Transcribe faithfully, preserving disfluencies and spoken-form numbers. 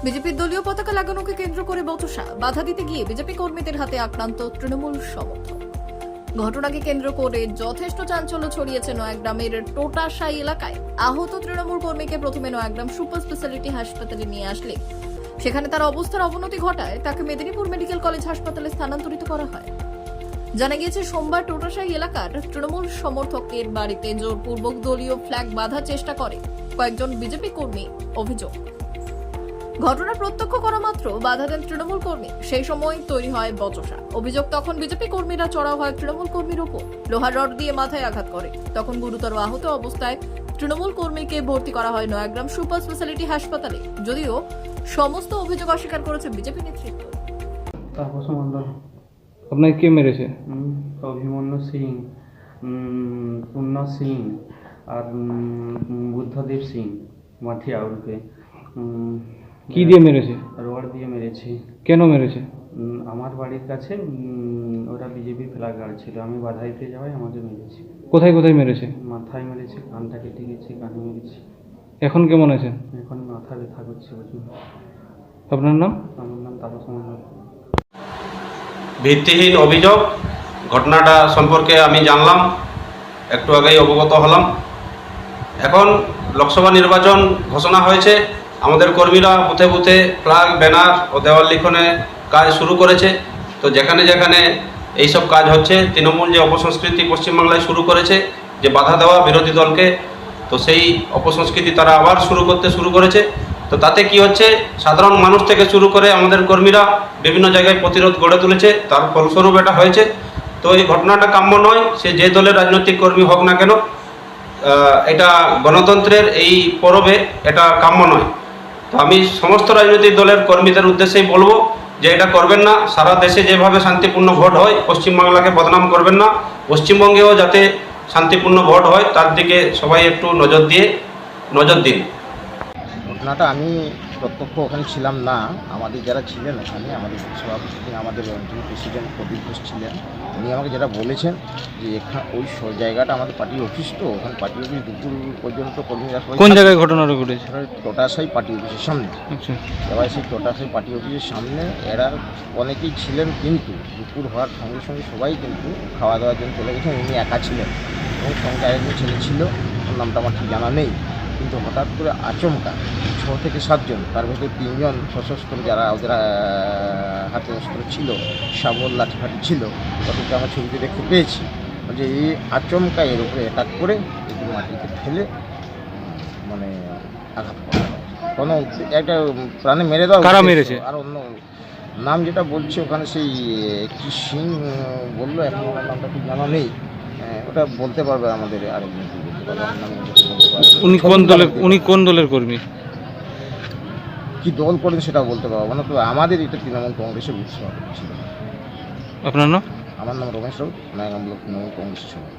বিজেপির দলীয় পতাকা লাগানোকে কেন্দ্র করে বচসা, বাধা দিতে গিয়ে বিজেপি কর্মীদের হাতে আক্রান্ত তৃণমূল সমর্থক। ঘটনাকে কেন্দ্র করে যথেষ্ট চাঞ্চল্য ছড়িয়েছে নয়াগ্রামের টোটাশাই এলাকায়। আহত তৃণমূল কর্মীকে প্রথমে নয়াগ্রাম সুপার স্পেশালিটি হাসপাতালে নিয়ে আসলে সেখানে তার অবস্থার অবনতি ঘটায় তাকে মেদিনীপুর মেডিকেল কলেজ হাসপাতালে স্থানান্তরিত করা হয়। জানা গিয়েছে, সোমবার টোটাশাই এলাকার তৃণমূল সমর্থকের বাড়িতে জোরপূর্বক দলীয় ফ্ল্যাগ বাঁধার চেষ্টা করে কয়েকজন বিজেপি কর্মী। অভিযোগ, ঘটনা প্রত্যক্ষ করা মাত্র বাধা দেন তৃণমূল কর্মী। সেই সময় তৈরি হয় বচসা। অভিযোগ, তখন বিজেপি কর্মীরা চড়াও হয় তৃণমূল কর্মীর ওপর, লোহার রড দিয়ে মাথায় আঘাত করে। তখন গুরুতর আহত অবস্থায় তৃণমূল কর্মীকে ভর্তি করা হয় নয়াগ্রাম সুপার স্পেশালিটি হাসপাতালে। যদিও সমস্ত অভিযোগ অস্বীকার করেছে বিজেপি নেতৃত্ব। তাপস মণ্ডল। আপনাকে কে মেরেছে? উম, অভিমন্যু সিং, উম, পূর্ণ সিং আর উম, বুদ্ধদেব সিং মাঠিয়া ওরফে উম, কি দিয়ে মেরেছে? রড দিয়ে মেরেছে। কেন মেরেছে? উম, আমার বাড়ির কাছে উম, ওরা বিজেপি ফ্ল্যাগ গার্ড ছিল, আমি বাধা দিতে যাওয়াই আমাকে মেরেছে। কোথায় কোথায় মেরেছে? মাথায় মেরেছে, কানটা কেটে গেছে, কানে মেরেছে। এখন কেমন আছেন? এখন মাথা ব্যথা করছে প্রচুর। আপনার নাম? আমার নাম তাপস মণ্ডল। ভিত্তিহীন অভিযোগ। ঘটনাটা সম্পর্কে আমি জানলাম, একটু আগেই অবগত হলাম। এখন লোকসভা নির্বাচন ঘোষণা হয়েছে, আমাদের কর্মীরা বুথে বুথে ফ্ল্যাগ, ব্যানার ও দেওয়াল লিখনে কাজ শুরু করেছে। তো যেখানে যেখানে এইসব কাজ হচ্ছে, তৃণমূল যে অপসংস্কৃতি পশ্চিমবাংলায় শুরু করেছে, যে বাধা দেওয়া বিরোধী দলকে, তো সেই অপসংস্কৃতি তারা আবার শুরু করতে শুরু করেছে। তো তাতে কি হচ্ছে, সাধারণ মানুষ থেকে শুরু করে আমাদের কর্মীরা বিভিন্ন জায়গায় প্রতিরোধ গড়ে তুলেছে, তার ফলস্বরূপ এটা হয়েছে। তো এই ঘটনাটা কাম্য নয়, সে যে দলের রাজনৈতিক কর্মী হোক না কেন, এটা গণতন্ত্রের এই পরবে এটা কাম্য নয়। তো আমি সমস্ত রাজনৈতিক দলের কর্মীদের উদ্দেশ্যেই বলবো যে এটা করবেন না। সারা দেশে যেভাবে শান্তিপূর্ণ ভোট হয়, পশ্চিমবাংলাকে বদনাম করবেন না। পশ্চিমবঙ্গেও যাতে শান্তিপূর্ণ ভোট হয় তার দিকে সবাই একটু নজর দিয়ে নজর দিন। ঘটনাটা আমি প্রত্যক্ষ ওখানে ছিলাম না, আমাদের যারা ছিলেন ওখানে, আমাদের সভাপতি, আমাদের অঞ্চল প্রেসিডেন্ট প্রদীপ ঘোষ ছিলেন। উনি আমাকে যেটা বলেছেন যে এখানে ওই জায়গাটা আমাদের পার্টি অফিস, তো ওখানে পার্টি অফিস দুপুর পর্যন্ত কর্মীরা সবাই। কোন জায়গায় ঘটনাটা ঘটেছে? টোটাশাই পার্টি অফিসের সামনে। আচ্ছা, এবার সেই টোটাশাই পার্টি অফিসের সামনে এরা অনেকেই ছিলেন, কিন্তু দুপুর হওয়ার সঙ্গে সঙ্গে সবাই কিন্তু খাওয়া দাওয়ার জন্য চলে গেছেন। উনি একা ছিলেন এবং সঙ্গে আরেকজন ছেলে ছিল, ওর নামটা আমার ঠিক জানা নেই। কিন্তু হঠাৎ করে আচমকা ছ থেকে সাতজন, তার ভেতরে তিনজন সশস্ত্র, যারা ওদের হাতে অস্ত্র ছিল, শাবল লাঠিফাঠি ছিল, তাদেরকে আমার ছবিতে দেখতে পেয়েছি। যে এই আচমকা এর উপরে অ্যাটাক করে এটি মাটিতে ফেলে মানে আঘাত করা হয়। কোনো একটা প্রাণে মেরে দেওয়া। কারা মেরেছে? আর অন্য নাম যেটা বলছে ওখানে, সেই কি সিং বললো, এখন ওনার নামটা ঠিক জানা নেই। ওটা বলতে পারবে আমাদের আরেকজন, বলতে পারবে আমার নাম বলতে পারবে। উনি কোন দলের উনি কোন দলের কর্মী? কি দল করেন সেটা বলতে পারবো না, তো আমাদের এটা তৃণমূল কংগ্রেসের উৎসব ছিল। আপনার নাম? আমার নাম রমেশ রাউত, নয়াগ্রাম ব্লক তৃণমূল কংগ্রেসের সভাপতি।